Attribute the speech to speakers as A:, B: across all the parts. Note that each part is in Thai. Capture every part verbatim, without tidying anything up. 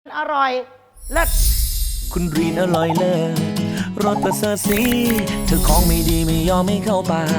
A: อร่อยเลิศ
B: คุณรีนอร่อยเลิศรสประเสริฐสีเธอของไม่ดีไม่ยอมไม่เข้าปาก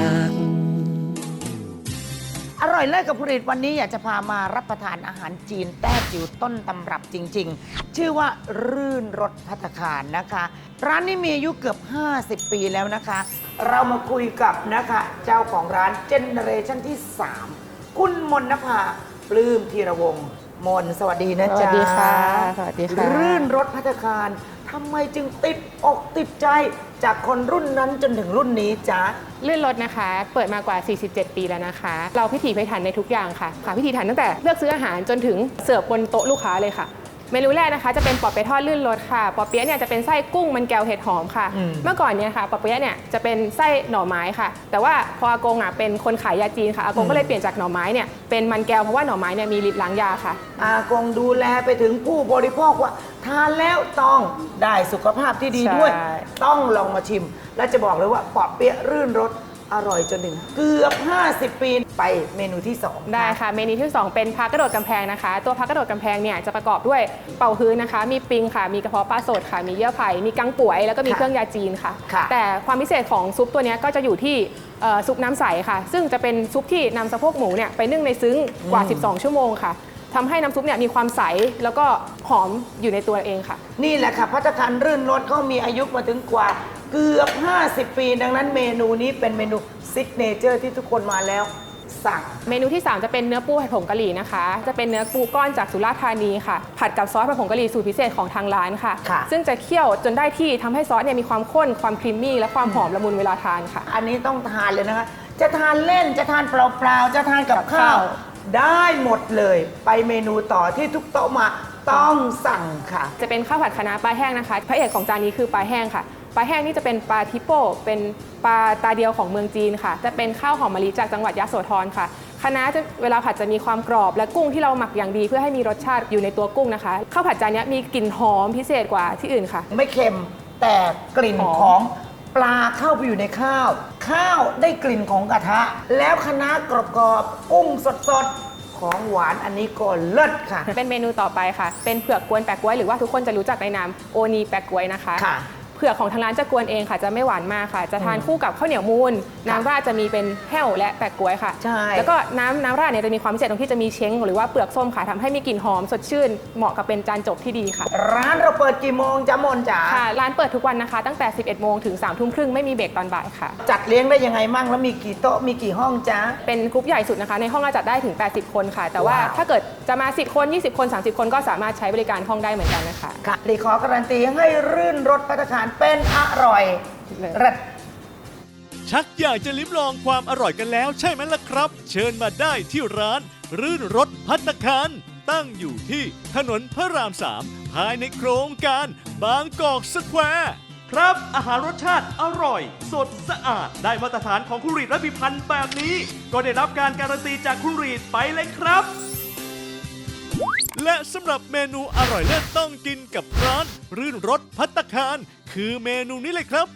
A: อร่อยเลิศกับผลิตวันนี้อยากจะพามารับประทานอาหารจีนแต้จิ๋วต้นตำรับจริงๆ ชื่อว่ารื่นรสภัตตาคารนะคะ ร้านนี้มีอายุเกือบห้าสิบปีแล้วนะคะ เรามาคุยกับนะคะเจ้าของร้านเจเนอเรชั่นที่สามคุณมนนภาปลื้มธีรวงศ์มนสวัสดีนะจ๊ะ
C: สวัสดีค่ะสวัสดีค่ะ
A: รื่นรสภัตตาคารทำไมจึงติดอกติดใจจากคนรุ่นนั้นจนถึงรุ่นนี้จ๊ะ
C: ลื่นรถนะคะเปิดมากว่า สี่สิบเจ็ด ปีแล้วนะคะ เราพิถีพิถันในทุกอย่างค่ะค่ะพิถีพิถันตั้งแต่เลือกซื้ออาหารจนถึงเสิร์ฟบนโต๊ะลูกค้าเลยค่ะเมนูแรกนะคะจะเป็นปอเปี๊ยะทอดลื่นรสค่ะปอเปี๊ยะเนี่ยจะเป็นไส้กุ้งมันแก้วเห็ดหอมค่ะ
A: อืม
C: เมื่อก่อนเนี่ยค่ะปอเปี๊ยะเนี่ยจะเป็นไส้หน่อไม้ค่ะ แต่ว่าพออากงอ่ะเป็นคนขายยาจีนค่ะอากงก็เลยเปลี่ยนจากหน่อไม้เนี่ยเป็นมันแก้วเพราะว่าหน่อไม้เนี่ยมีฤทธิ์ล้างยาค่ะ
A: อากงดูแลไปถึงผู้บริโภคว่าทานแล้วต้องได้สุขภาพที่ดีด้วย
C: ใช่
A: ต้องลองมาชิม และจะบอกเลยว่าปอเปี๊ยะรื่นรสอร่อยจนถึงเกือบห้าสิบปีไปเมนูที่สอง
C: ได้ค่ะเมนูที่สองเป็นพากระโดดกำแพงนะคะ ตัวพากระโดดกำแพงเนี่ยจะประกอบด้วยเป่าฮื้นนะคะ มีปิงค่ะ มีกระเพาะปลาสดค่ะ มีเยื่อไผ่มีกังป่วยแล้วก็มีเครื่องยาจีนค่ะ แต่ความพิเศษของซุปตัวนี้ก็จะอยู่ที่เอ่อซุปน้ำใสค่ะ ซึ่งจะเป็นซุปที่นำสะโพกหมูเนี่ยไปนึ่งในซึ้งกว่า สิบสอง ชั่วโมงค่ะทำให้น้ำซุปเนี่ยมีความใสแล้วก็หอมอยู่ในตัวเองค่ะ
A: นี่แหละค่ะภัตตาคารรื่นรสเขามีอายุมาถึงกว่าเกือบห้าสิบปี ดังนั้นเมนูนี้เป็นเมนูซิกเนเจอร์ที่ทุกคนมาแล้วสั่ง
C: เมนูที่ สาม จะเป็นเนื้อปูผัดผงกะหรี่นะคะ จะเป็นเนื้อปูก้อนจากสุราษฎร์ธานีค่ะ ผัดกับซอสผัดผงกะหรี่สูตรพิเศษของทางร้านค่ะ
A: ค่ะ
C: ซึ่งจะเคี่ยวจนได้ที่ทำให้ซอสเนี่ยมีความข้นความครีมมี่และความหอมละมุนเวลาทานค่ะ
A: อันนี้ต้องทานเลยนะคะ จะทานเล่นจะทานเปล่าๆจะทานกับ
C: กับ
A: ข้า
C: ข้าว ว
A: ได้หมดเลย ไปเมนูต่อที่ทุกโต๊ะมาต้องสั่งค่ะ
C: จะเป็นข้าวผัดคะน้าปลาแห้งนะคะ พระเอกของจานนี้คือปลาแห้งค่ะ ปลาแห้งนี่จะเป็นปลาทิโป้เป็นปลาตาเดียวของเมืองจีนค่ะ จะเป็นข้าวหอมมะลิจากจังหวัดยโสธรค่ะคะน้าจะเวลาผัดจะมีความกรอบและกุ้งที่เราหมักอย่างดีเพื่อให้มีรสชาติอยู่ในตัวกุ้งนะคะ ข้าวผัดจานนี้มีกลิ่นหอมพิเศษกว่าที่อื่นค่ะ
A: ไม่เค็มแต่กลิ่น
C: หอม
A: ของปลาเข้าไปอยู่ในข้าว ข้าวได้กลิ่นของกระทะ แล้วคะน้ากรอบๆกุ้งสดๆ ของหวานอันนี้ก็เลิศค่ะ
C: เป็นเมนูต่อไปค่ะ เป็นเผือกกวนแปะก๊วยหรือว่าทุกคนจะรู้จักในนามโอนีแปะก๊วยนะคะ
A: ค่ะ
C: เผือกของทางร้านจะกวนเองค่ะ จะไม่หวานมากค่ะ จะทานคู่กับข้าวเหนียวมูนน้ำราดจะมีเป็นแห้วและแปะก๊วยค่ะ
A: ใช่
C: แล้วก็น้ำน้ำราดเนี่ยจะมีความพิเศษตรงที่จะมีเช้งหรือว่าเปลือกส้มค่ะทำให้มีกลิ่นหอมสดชื่นเหมาะกับเป็นจานจบที่ดีค่ะ
A: ร้านเราเปิดกี่โมงจ๊ะมนจ๋า
C: ค่ะ ร้านเปิดทุกวันนะคะ ตั้งแต่ สิบเอ็ด โมงถึง สาม ทุ่มครึ่งไม่มีเบรกตอนบ่ายค่ะ
A: จัดเลี้ยงได้ยังไงมั่งแล้วมีกี่โต๊ะมีกี่ห้องจ๊ะ
C: เป็นกรุ๊ปใหญ่สุดนะคะ ในห้องเราจัดได้ถึง แปดสิบ คนค่ะ แต่ว่า
A: ว้าว
C: ถ้าเกิดจะมา สิบ คน ยี่สิบ คน สามสิบ คนก็สามารถใช้บริการห้องได้เหมือนกันนะคะ
A: ค่ะรีขอการันตีให้รื่นรสภัตตาคารเป็นอร่อยเลิศ
D: ชักอยากจะลิ้มลองความอร่อยกันแล้วใช่ไหมล่ะครับ เชิญมาได้ที่ร้าน รื่นรสภัตตาคารตั้งอยู่ที่ถนนพระรามสามภายในโครงการบางกอกสแควร์ครับอาหารรสชาติอร่อย สดสะอาดได้มาตรฐานของคุณรีดและพิพันธ์แบบนี้ ก็ได้รับการการันตีจากคุณรีดไปเลยครับ และสำหรับเมนูอร่อยเลิศต้องกินกับร้าน รื่นรสภัตตาคารคือเมนูนี้เลยครับ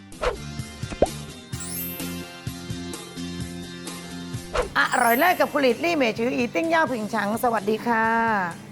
A: อร่อยเลิศกับผลิตลี่เมจืออีติ้งย่าผิงฉัง สวัสดีค่ะ